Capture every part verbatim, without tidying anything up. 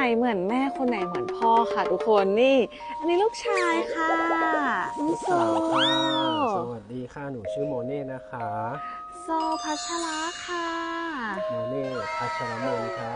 เหมือนแม่คนไหนเหมือนพ่อค่ะทุกคนนี่ อันนี้ลูกชายค่ะน้องโซสวัสดีค่ะหนูชื่อโมเน่นะคะโซพัชระค่ะโมเน่พัชรมนค่ะ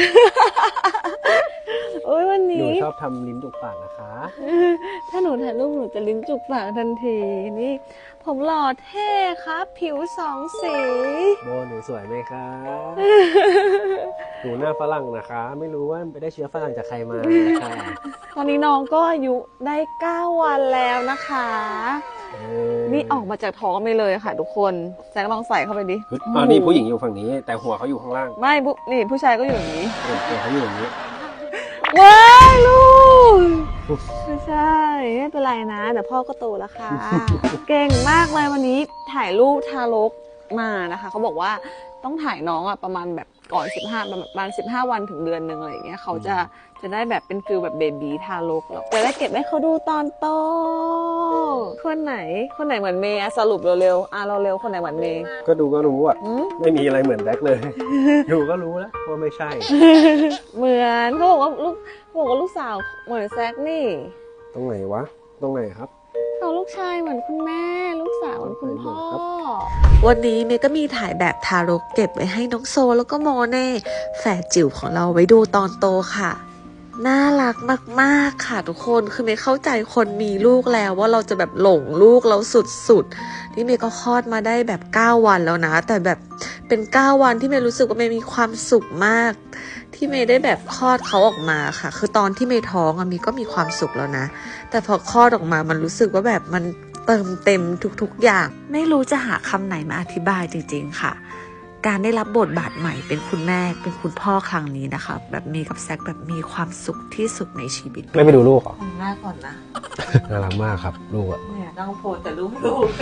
โอ้ยวันนี้หนูชอบทำลิ้นจุกปากนะคะถ้าหนูถ่ายรูปหนูจะลิ้นจุกปากทันทีนี่ผมหล่อเท่ครับผิวสองสีโบหนูสวยไหมคะหนูหน้าฝรั่งนะคะ ไม่รู้ว่าไปได้เชื้อฝรั่งจากใครมาค่ะตอนนี้น้องก็อายุได้เก้าวันแล้วนะคะนี่ออกมาจากท้องไปเลยค่ะทุกคนแจ็คลองใส่เข้าไปดิอ๋อนี่ผู้หญิงอยู่ฝั่งนี้แต่หัวเขาอยู่ข้างล่างไม่นี่ผู้ชายก็อยู่อย่างนี้หัวเขาอยู่อย่างนี้ว้ายลูกไม่ใช่ไม่เป็นไรนะเดี๋ยวพ่อก็โตแล้วค่ะเก่งมากเลยวันนี้ถ่ายรูปทารกมานะคะเขาบอกว่าต้องถ่ายน้องอ่ะประมาณแบบก่อนสิบห้าประมาณสิบห้าวันถึงเดือนหนึ่งอะไรอย่างเงี้ยเขาจะจะได้แบบเป็นฟิลแบบเบบีทารกแล้วจะได้เก็บให้เขาดูตอนโตคนไหนคนไหนเหมือนเมย์สรุปเร็วๆอ่ะเราเร็วคนไหนเหมือนเมย์ก็ดูก็รู้อ่ะไม่มีอะไรเหมือนแบ็คเลยดูก็รู้แล้วว่าไม่ใช่เหมือนเขาบอกว่าลูกบอกว่าลูกสาวเหมือนแซกนี่ตรงไหนวะตรงไหนครับเอาลูกชายเหมือนคุณแม่ลูกสาวเหมือนคุณพ่อวันนี้เมย์ก็มีถ่ายแบบทารกเก็บไว้ให้น้องโซแล้วก็โมเน่แฝดจิ๋วของเราไว้ดูตอนโตค่ะน่ารักมากๆค่ะทุกคนคือเมย์เข้าใจคนมีลูกแล้วว่าเราจะแบบหลงลูกเราสุดๆนี่เมย์ก็คลอดมาได้แบบเก้าวันแล้วนะแต่แบบเป็นเก้าวันที่เมย์รู้สึกว่าเมย์มีความสุขมากที่เมย์ได้แบบคลอดเขาออกมาค่ะคือตอนที่เมย์ท้องอะเมย์ก็มีความสุขแล้วนะแต่พอคลอดออกมามันรู้สึกว่าแบบมันเติมเต็มทุกๆอย่างไม่รู้จะหาคำไหนมาอธิบายจริงๆค่ะการได้รับบทบาทใหม่เป็นคุณแม่เป็นคุณพ่อครั้งนี้นะคะแบบมีกับแซคแบบมีความสุขที่สุดในชีวิตไม่ไปดูลูกเหรอหน้าก่อนนะน่ารักมากครับลูกอะเนี่ยต้องโพสแต่ลูกลูก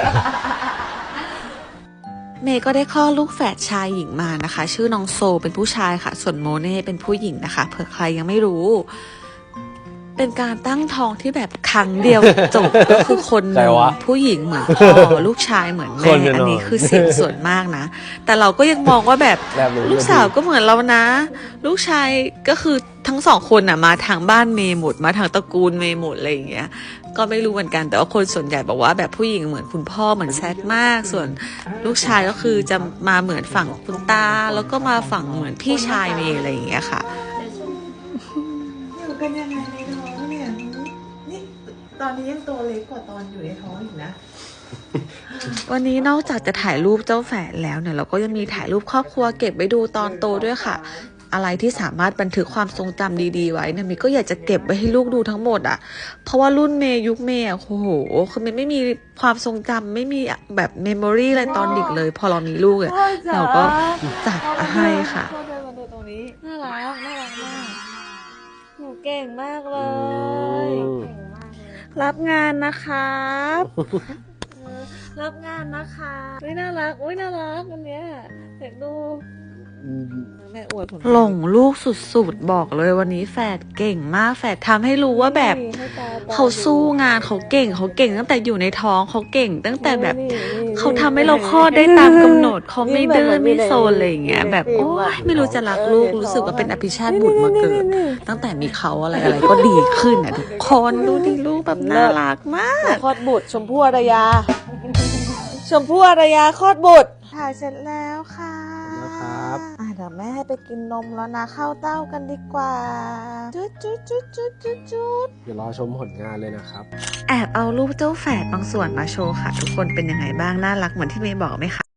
เมย์ก็ได้คลอดลูกแฝดชายหญิงมานะคะชื่อน้องโซเป็นผู้ชายค่ะส่วนโมเน่เป็นผู้หญิงนะคะเผื่อใครยังไม่รู้เป็นการตั้งท้องที่แบบครั้งเดียวจบก็คือคนหนึ่งผู้หญิงเหมือนพ่อลูกชายเหมือนแม่อันนี้คือเสียงส่วนมากนะแต่เราก็ยังมองว่าแบบลูกสาวก็เหมือนเรานะลูกชายก็คือทั้งสองคนน่ะมาทางบ้านเมย์หมดมาทางตระกูลเมย์หมดอะไรอย่างเงี้ยก็ไม่รู้เหมือนกันแต่ว่าคนส่วนใหญ่บอกว่าแบบผู้หญิงเหมือนคุณพ่อเหมือนแซคมากส่วนลูกชายก็คือจะมาเหมือนฝั่งคุณตาแล้วก็มาฝั่งเหมือนพี่ชายเมย์อะไรอย่างเงี้ยค่ะอยู่กันยังไงในท้องเนี่ยนี่ตอนนี้ยังตัวเล็กกว่าตอนอยู่ในท้องอีกนะวันนี้นอกจากจะถ่ายรูปเจ้าแฝดแล้วเนี่ยเราก็ยังมีถ่ายรูปครอบครัวเก็บไว้ดูตอนโตด้วยค่ะอะไรที่สามารถบันทึกความทรงจำดีๆไว้เนี่ยเมย์ก็อยากจะเก็บไว้ให้ลูกดูทั้งหมดอ่ะเพราะว่ารุ่นเมย์ยุคเมย์โอ้โหคือเมย์ไม่มีความทรงจำไม่มีแบบเมมโมรี่อะไรตอนเด็กเลยพอเรามีลูกอ่ะเราก็จัดให้ค่ะตรงนี้น่ารักน่ารักมากหนูเก่งมากเลย รับงานนะครับรับงานนะคะอุ้ยน่ารักอุ้ยน่ารักอันเนี้ยเด็กดูแม่อวดผลหลงลูกสุดๆบอกเลยวันนี้แฝดเก่งมากแฝดทำให้รู้ว่าแบบเขาสู้งานเขาเก่งเขาเก่งตั้งแต่อยู่ในท้องเขาเก่งตั้งแต่แบบเขาทำให้เราคลอดได้ตามกำหนดเขาไม่ดื้อไม่โซนอะไรอย่างเงี้ยแบบโอ้ยไม่รู้จะรักลูกรู้สึกว่าเป็นอภิชาติบุตรมาเกิดตั้งแต่มีเขาอะไรอะไรก็ดีขึ้นอ่ะทุกคนดูดิลูกแบบน่ารักมากคลอดบุตรชมพู่อารยาชมพู่อารยาคลอดบุตรถ่ายเสร็จแล้วค่ะครับเดี๋ยวแม่ให้ไปกินนมแล้วนะเข้าเต้ากันดีกว่าจุดจุดจุดจุดจุดจุดเดี๋ยวรอชมผลงานเลยนะครับแอบเอารูปเจ้าแฝดบางส่วนมาโชว์ค่ะทุกคนเป็นยังไงบ้างน่ารักเหมือนที่เมย์บอกไหมคะ